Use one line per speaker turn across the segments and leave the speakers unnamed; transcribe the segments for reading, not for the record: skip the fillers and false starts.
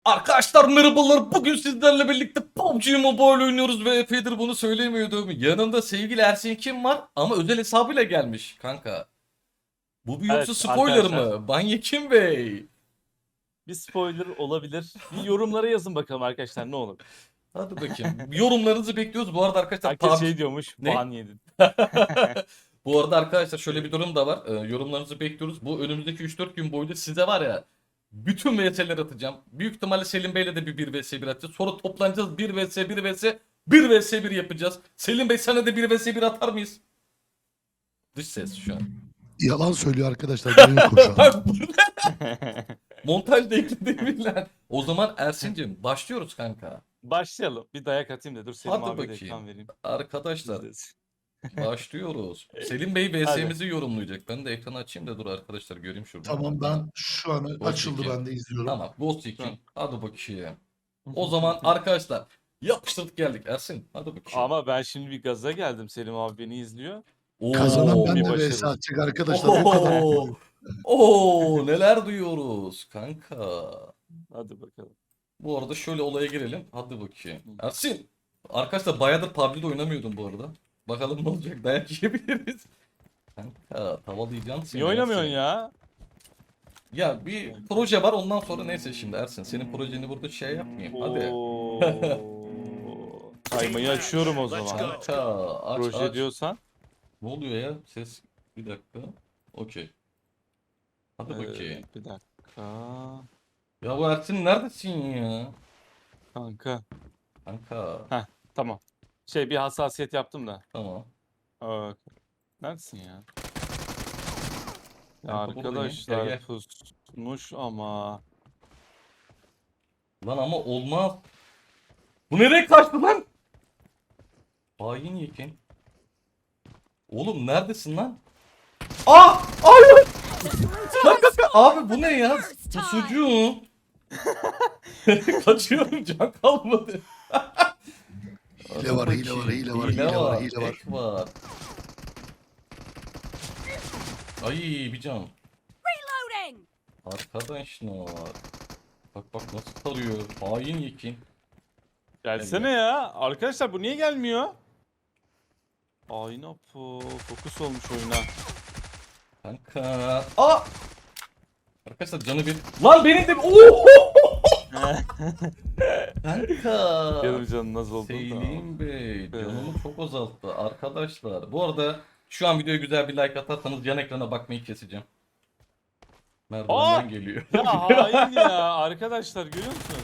Arkadaşlar merhabalar. Bugün sizlerle birlikte PUBG Mobile oynuyoruz ve epeydir bunu söylemiyordum. Yanında sevgili Ersin kim var? Ama özel hesabıyla gelmiş kanka. Bu bir yoksa
Evet
spoiler
arkadaşlar,
mı? Banyekim Bey.
bir spoiler olabilir. Bir yorumlara yazın bakalım arkadaşlar, ne olur.
Hadi bakayım. Yorumlarınızı bekliyoruz. Bu arada arkadaşlar
Herkes
PUBG...
şey diyormuş,
Ne?
ban yedin.
Bu arada arkadaşlar şöyle bir durum da var. Yorumlarınızı bekliyoruz. Bu önümüzdeki 3-4 gün boyunca size var ya bütün VS'ler atacağım. Büyük ihtimalle Selim Bey'le de bir 1 vs 1 atacağız. Sonra toplanacağız 1 vs 1 vs 1 vs 1 yapacağız. Selim Bey sana da 1 vs 1 atar mıyız? Dış ses şu an.
Yalan söylüyor arkadaşlar. Benim koşan.
Bak bu montajda ekledim. O zaman Ersin'cim başlıyoruz kanka.
Başlayalım. Bir dayak atayım da dur Selim
Hadi
abiye de
bakayım.
ekran vereyim.
Arkadaşlar
İzlesin.
başlıyoruz. Selim Bey VS'mizi yorumlayacak. Ben de ekranı açayım da dur arkadaşlar göreyim şurada.
Tamam, ben şu an
Ghost
açıldı,
Recon.
ben de izliyorum.
Tamam Ghost Recon.
Tamam.
Hadi bakayım. O zaman arkadaşlar yapıştırdık geldik Ersin. Hadi bakayım.
Ama ben şimdi bir gaza geldim. Selim abi beni izliyor.
Kazanan ben
bir
de
başarı.
vs atacak arkadaşlar. O kadar.
Oo, neler duyuyoruz kanka.
Hadi bakalım.
Bu arada şöyle olaya girelim. Hadi bakayım. Ersin. Arkadaşlar bayağıdır PUBG'de oynamıyordum bu arada. Bakalım ne olacak. Dayak yiyebiliriz. Kanka tavalayacağım seni.
Niye oynamıyorsun
Ersin.
ya?
Ya bir proje var ondan sonra neyse şimdi Ersin. Senin projeni burada şey yapmayayım. Hadi.
Oo. Kaymayı açıyorum o zaman.
Kanka aç
Proje
aç.
diyorsan.
Ne oluyor ya? Ses bir dakika. Okey. Hadi bakayım.
Bir dakika.
Ya bu Ersin neredesin ya?
Kanka.
Kanka.
Tamam. Bir hassasiyet yaptım da.
Tamam.
Neredesin ya?
Kanka buradayım.
Arkadaşlar
Gel, gel.
pusmuş ama.
Lan ama olmaz. Bu nereye kaçtı lan? Hain yekin. Oğlum neredesin lan? Aa! Hayır! Kanka, abi bu ne ya? Pusucu. Kaçıyorum can kalmadı.
Hile var, hile var, hile var, hile var, hile var.
Hack var. Ay bir can.
Reloading!
Arkadaşlar. Bak bak nasıl tarıyor. Hain yekin.
Gelsene ya. Arkadaşlar bu niye gelmiyor? Ayna fokus olmuş oyuna.
Kanka. Aa! Arkadaşlar canı bir. Lan benim de. Oo! Kanka.
Yarım canın nasıl oldu da.
Selim Bey canımı çok azalttı arkadaşlar. Bu arada şu an videoya güzel bir like atarsanız yan ekrana bakmayı keseceğim. Merdivenden geliyor.
Ya hain ya. Arkadaşlar görüyor musunuz?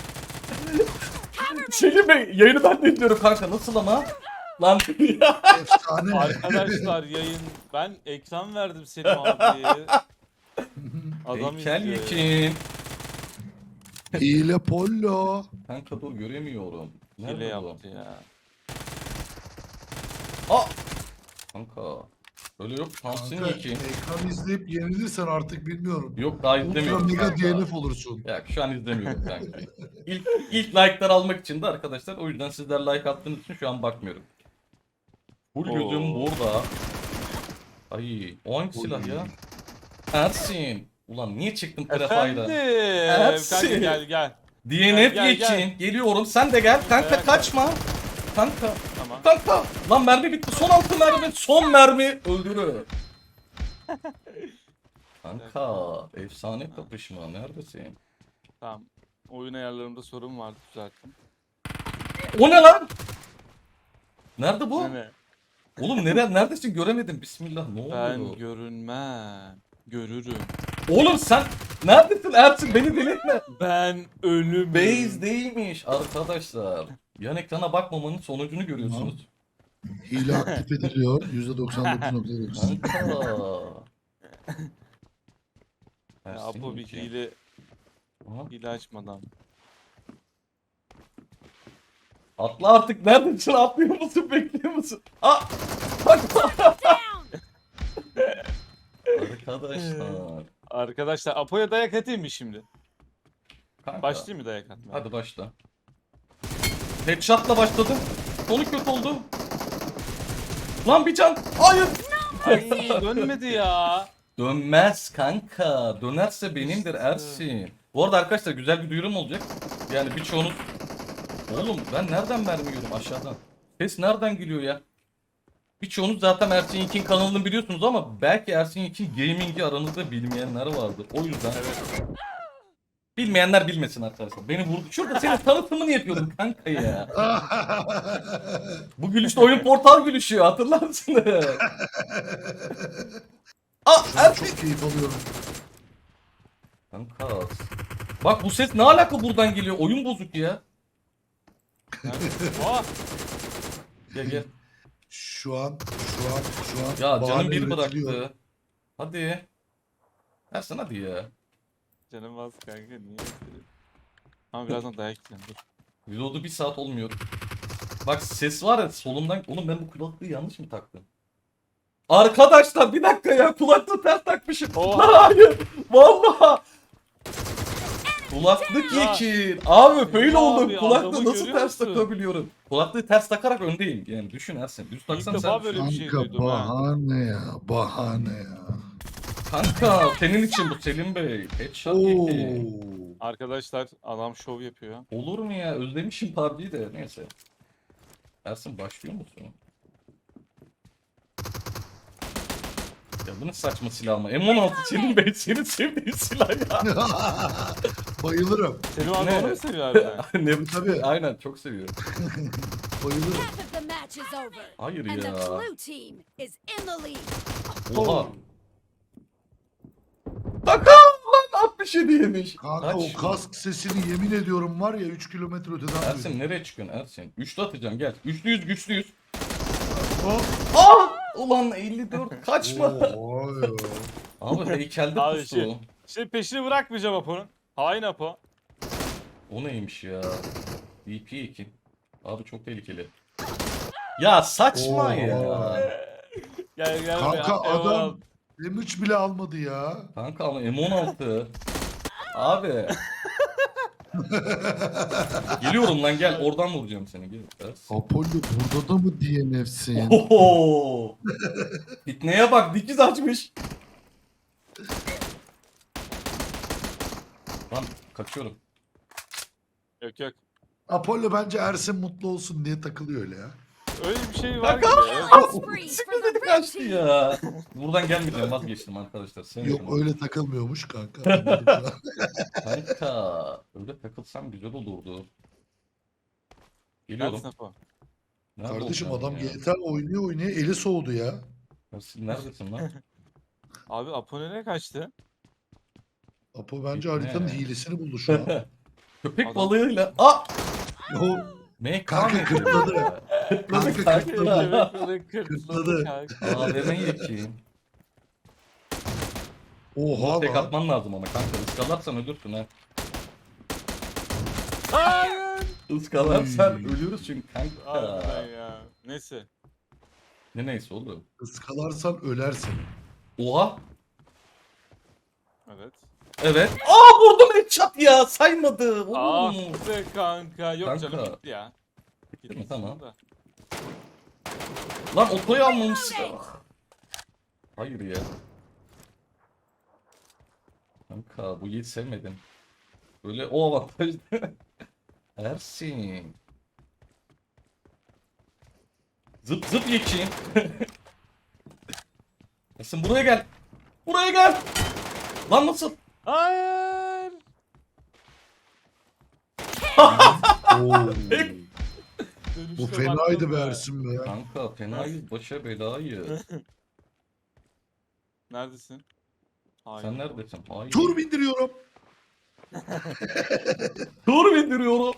Selim Bey yayını ben de izliyorum kanka nasıl ama? Lan ya.
Efsane.
Arkadaşlar yayın. Ben ekran verdim Selim abiye. Adam
Heykel
izliyor ya.
yekin.
Hile pollo.
Kanka dur göremiyorum.
Hile
Nerede bu?
yaptı ya.
Aa! Kanka. Öyle yok. Thompson
Kanka,
yekin.
ekran izleyip yenilirsen artık bilmiyorum.
Yok daha
Ultra
izlemiyorum
mega
kanka.
DNF olursun.
Ya şu an izlemiyorum kanka. İlk like'lar almak için de arkadaşlar o yüzden sizler like attığınız için şu an bakmıyorum. Full gözüm
Oo.
burada. Ay o hangi silah ya? Ersin. Ulan niye çıktın prefayla?
Efendim.
Ersin.
Kanka gel.
DNF
Gel,
için geliyorum sen de gel kanka
Gel,
kaçma. Kanka
Tamam.
kanka. Lan mermi bitti son 6 mermi son mermi öldürü. Kanka efsane kapışma neredesin?
Tamam. Oyun ayarlarımda sorun vardı, düzelttim.
O ne lan? Nerede bu?
Ne?
Oğlum neredesin göremedim bismillah ne
Ben
oluyor?
görünmem. Görürüm.
Oğlum sen neredesin Ersin beni delirtme.
Ben ölümüm.
Base değilmiş arkadaşlar. Yan ekrana bakmamanın sonucunu görüyorsunuz.
Hile aktif ediliyor. %99.9.
Kanka.
Ya,
Ersin
Apo bir
iki.
hile
Aha.
açmadan.
Atla artık neredesin atlıyor musun bekliyor musun? Aa! Bak.
Down!
Arkadaşlar.
Arkadaşlar Apo'ya dayak atayım mı şimdi?
Kanka.
Başlayayım mı dayak atmaya?
Hadi başla. Headshot'la başladım. Sonu kötü oldu. Lan bir can. Hayır.
Ay dönmedi ya.
Dönmez kanka. Dönerse benimdir
İşte.
Ersin. Bu arada arkadaşlar güzel bir duyurum olacak. Yani birçoğunuz... Oğlum ben nereden mermi yiyorum aşağıdan? Ses nereden geliyor ya? Birçoğunuz zaten Ersin Yekin kanalını biliyorsunuz ama belki Ersin Yekin Gaming'i aranızda bilmeyenler vardır. O yüzden bilmeyenler bilmesin arkadaşlar. Beni vurdu. Şurada senin tanıtımını yapıyordum kanka ya. Bu gülüşte oyun portal gülüşü hatırlar mısın? Aa Ersin.
Çok keyif alıyorum.
Kanka. Bak bu ses ne alaka buradan geliyor? Oyun bozuk ya.
Aa,
Gel gel.
Şu an.
Ya
bahane
canım bir
üretiliyor.
bıraktı. Hadi. Ersin hadi ya.
canım az kanka niye istedim? Ama birazdan dayak yiyeceğim dur.
Reload'u 1 saat olmuyor. Bak ses var ya solumdan. Oğlum ben bu kulaklığı yanlış mı taktım? Arkadaşlar bir dakika ya kulaklığı ters takmışım.
Oha.
Lan hayır. Vallahi. Kulaklık
Ya.
yekin. Abi fail
Ya
oldum.
abi,
Kulaklığı
adamı
nasıl
görüyor
ters
musun?
takabiliyorum? Kulaklığı ters takarak öndeyim. Yani düşün Ersin. Düz
İlk
taksam
defa
sen
böyle bir şey
Kanka
duydum ha.
bahane ya. Bahane ya.
Kanka senin için bu Selim Bey. Headshot
Oo.
yekin.
Arkadaşlar adam şov yapıyor.
Olur mu ya? Özlemişim PUBG'yi de. Neyse. Ersin başlıyor musun? Ya bu ne saçma silah ama. M16 Selim Bey senin sevdiğin silah ya.
Bayılırım.
Selim abi
Ne?
onu mu seviyor harbiden?
ne
Tabii.
Aynen çok seviyorum.
Bayılırım.
Half of the match is over.
Hayır
And the
ya.
blue team is in the lead.
Oha. Bakalım lan 67 yemiş.
Kanka
Kaç?
o kask sesini yemin ediyorum var ya 3 kilometre öteden
Ersin
duydum.
nereye çıkıyorsun Ersin? Üçlü atacağım gel. Üçlüyüz güçlüyüz.
Hop.
Ah! Ulan 54 kaçma.
Oha ya.
Abi heykelde
Abi
pusu.
şey- Şimdi peşini bırakmayacağım Apo'nun. Hain Apo.
O neymiş ya? DP2. Abi çok tehlikeli. Ya saçma
Oha.
ya.
Gel gel.
Kanka
be, eyvallah.
adam M3 bile almadı ya.
Kanka ama M16. Abi. Geliyorum lan gel oradan vuracağım seni. Gel. Ersin.
Apollo burada da mı DNF'sin?
Oho. Fitneye bak dikiz açmış. Lan kaçıyorum.
Yok yok.
Apollo bence Ersin mutlu olsun diye takılıyor öyle ya.
Öyle bir şey var
Kanka.
gibi.
Spree for
Sıkı
the
dedi
red
kaçtı
team.
ya. Buradan gelmeyeceğim vazgeçtim arkadaşlar.
Yok
Sevmiyorum.
öyle takılmıyormuş kanka. Anladım şu an.
Kanka öyle takılsam güzel olurdu. Geliyorum.
Neredesin Apo?
Nerede
Kardeşim
olacağım
adam
ya?
GTA oynuyor eli soğudu ya.
Ersin neredesin lan?
Abi Apo nereye kaçtı?
Apo bence
Gitme.
haritanın hilesini buldu şu an.
Köpek
Adam-
balığıyla. Aa!
O
MK
Kanka
mı?
kırtladı.
Kırtladı
Kanka
kanka.
kırtladı.
Kırtladı kanka.
AVM yekeyim.
Oha
Tek
lan.
atman lazım ama kanka. Iskalarsan ölürsün ha.
Hayır.
Iskalarsan
Uy.
ölürüz çünkü kanka.
Harbiden ya. Neyse.
Ne neyse oğlum.
Iskalarsan ölersin.
Oha.
Evet.
Evet. Aa vurdum headshot ya. Saymadı.
Ah
Oğlum.
be kanka. Yok
Kanka.
canım gitti ya.
Gitti mi? Tamam.
Da.
Lan otoyu almamışsın. Hayır ya. Kanka bu yiğit sevmedim. Böyle o avantaj. Ersin. Zıp zıp yekeyim. Ersin buraya gel. Buraya gel. Lan nasıl?
Hayır.
Oo.
Dönüşte
Bu fenaydı
baktım
be
be.
Ersin be.
Kanka fenayız başa belayı.
Neredesin? Hayır.
Sen neredesin? Hayır.
Tur bindiriyorum.
Tur bindiriyorum.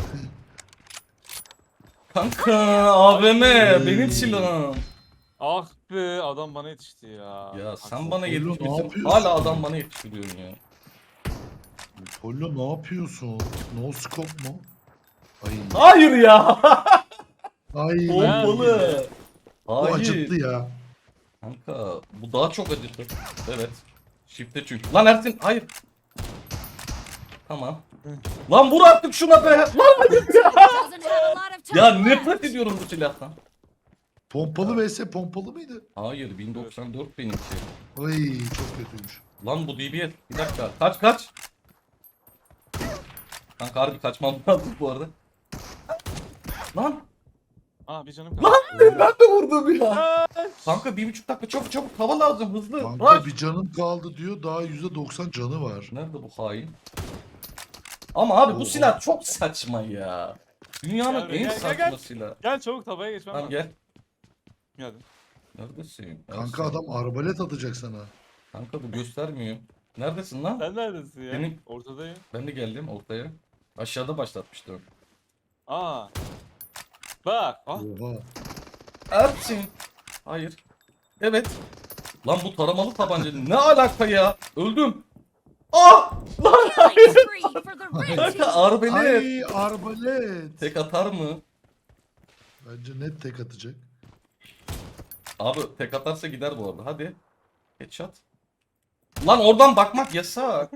Kanka AVM benim silahım.
Ah be adam bana yetişti ya.
Ya sen
Haksız.
bana
Oğlum, ne
yetişmişsin.
yapıyorsun?
Hala adam bana yetiştiriyorsun ya.
Apollo ne yapıyorsun? No scope mu? Ay.
Hayır ya.
Ay.
Pompalı.
Bu
Hayır.
acıttı ya.
Kanka bu daha çok acıttı. Evet. Shift'te çünkü. Lan Ersin hayır. Tamam. Lan vur artık şuna be. Lan hayır ya.
Doesn't have a lot of time
Ya
left.
nefret ediyorum bu silahtan.
Pompalı vs pompalı mıydı?
Hayır 1094 benimki.
Ay çok kötüymüş.
Lan bu DBS. Bir dakika. Kaç kaç. Kanka harbi kaçmam lazım bu arada. Lan
Aa bir canım kaldı.
ben de vurdum ya.
Aa,
Kanka 1,5 dakika çabuk hava lazım hızlı.
Kanka
Rush.
bir canım kaldı diyor. Daha %90 canı var.
Nerede bu hain? Ama abi bu
Oha.
silah çok saçma ya. Dünyanın
Gel,
en
gel,
saçma
gel.
silahı.
Gel çabuk tabaya geçmem
Tamam
lazım.
gel.
Geldim.
Neredesin?
Kanka
Neredesin?
adam arbalet atacak sana.
Kanka bu göstermiyor. Neredesin lan?
Sen neredesin ya?
Benim-
Ortadayım.
Ben de geldim ortaya. Aşağıda başlatmıştım.
Aa. Bak. Ah.
Oha.
Ersin. Hayır. Evet. Lan bu taramalı tabanca ne alaka ya? Öldüm. Ah! Lan
Killing spree for the red
kanka
team.
arbelet.
Ay arbalet.
Tek atar mı?
Bence net tek atacak.
Abi tek atarsa gider bu arada. Hadi. Headshot. Lan oradan bakmak yasak.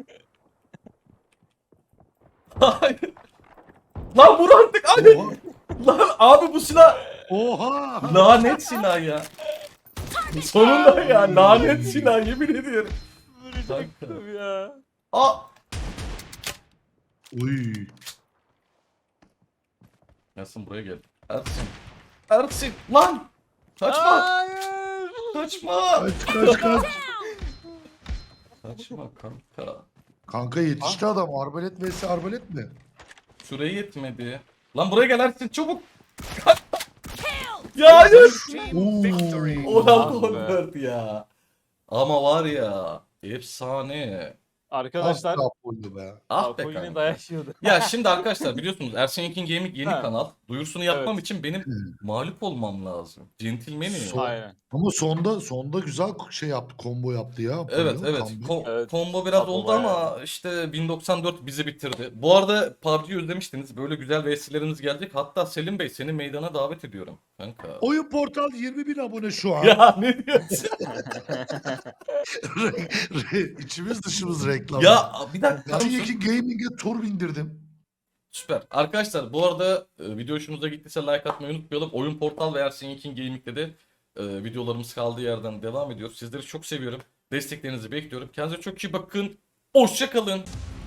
Hayır. Lan vur artık hadi.
Oha.
Lan abi bu silah
Oha.
lanet silah ya. Sonunda ya lanet silah yemin ediyorum.
Vuracaktım ya.
Aa.
Uy.
Yasin buraya gel. Ersin. Ersin lan. Kaçma.
Hayır.
Kaçma.
Kaç.
Kaçma kanka.
Kanka yetişti adam. Arbalet vs arbalet mi?
Süre yetmedi. Lan buraya gel Ersin çabuk.
Kill.
Ya hayır.
Oo.
Oran
Ah be.
konvert ya. Ama var ya efsane.
Arkadaşlar.
Az kapoldu be.
Ah be
Apo yine
kanka.
dayak yiyordu.
Ya şimdi arkadaşlar biliyorsunuz Ersin Yekin Gaming yeni
Ha.
kanal. Duyurusunu yapmam
Evet.
için benim mağlup olmam lazım. Centilmenim.
Son-
Aynen.
Ama sonda güzel şey yaptı, combo yaptı ya.
Evet
Apollo,
evet.
comeback.
Evet.
Combo biraz
Apo
oldu
bayağı.
ama işte 1094 bizi bitirdi. Bu arada PUBG'yi özlemiştiniz. Böyle güzel VS'leriniz gelecek. Hatta Selim Bey seni meydana davet ediyorum. Kanka.
Oyun Portal 20.000 abone şu an.
Ya ne diyorsun?
İçimiz dışımız reklam.
Ya bir dakika.
Ersin Yekin Gaming'e tur bindirdim.
Süper. Arkadaşlar bu arada video hoşunuza gittiyse like atmayı unutmayalım. Oyun Portal ve Ersin Yekin Gaming'de de videolarımız kaldığı yerden devam ediyor. Sizleri çok seviyorum. Desteklerinizi bekliyorum. Kendinize çok iyi bakın. Hoşça kalın.